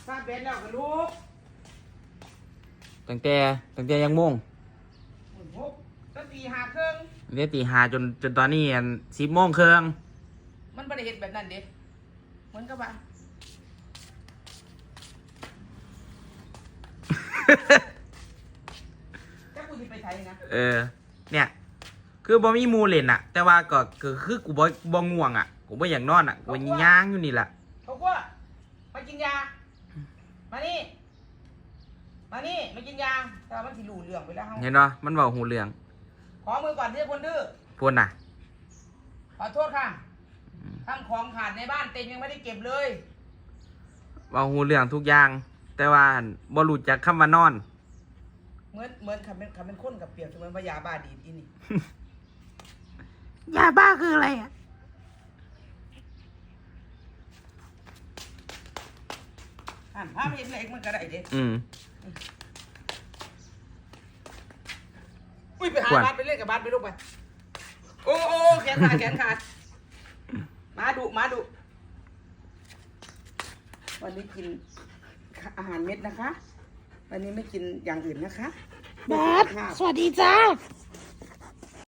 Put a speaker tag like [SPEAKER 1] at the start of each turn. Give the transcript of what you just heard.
[SPEAKER 1] ซาเบนแล้วกับลูก
[SPEAKER 2] ตั้งแต่ยังม่วง
[SPEAKER 1] ตั้งตีหาเครื่อง
[SPEAKER 2] เรียกตีหาจนตอนนี้10 โมงครึ่ง
[SPEAKER 1] มันไม่ได้เห็นแบบนั้นเด็เหมือนกับว่าจะกูจะไปไทยนะ
[SPEAKER 2] เนี่ยคือบ่มีมูเล่นอะแต่ว่าก็คือกูบ่ง่วงอะกูบ่อยากนอนอะกูย่างอยู่นี่แหละ
[SPEAKER 1] เขาว่ามากินยามานี่มากินยาแต่มันสิหลู่เรื่องไปแล้ว
[SPEAKER 2] เห็นป่ะมันเว้าหูเรื่อง
[SPEAKER 1] ขอมือก่อนที่คนดื้อ
[SPEAKER 2] พูดน่ะ
[SPEAKER 1] ขอโทษค่ะทำของขาดในบ้านเต็มยังไม่ได้เก็บเลย
[SPEAKER 2] เว้าหูเรื่องทุกอย่างแต่ว่าบ่รู้จักคำว่านอน
[SPEAKER 1] เหมือนคำเป็นคนกับเปรียบเสมือนว่ายาบ้าดีอีนี่
[SPEAKER 2] ยาบ้าคืออะไรอ่ะ
[SPEAKER 1] ภาพเห็นเล็กมันก็ได้เด็อุ้ยไปหาบ้านไปเล่นกับบ้านไปลูกไปโอ้แขนขาดมาดุวันนี้กินอาหารเม็ดนะคะวันนี้ไม่กินอย่างอื่นนะคะ
[SPEAKER 3] แบทสวัสดีจ้า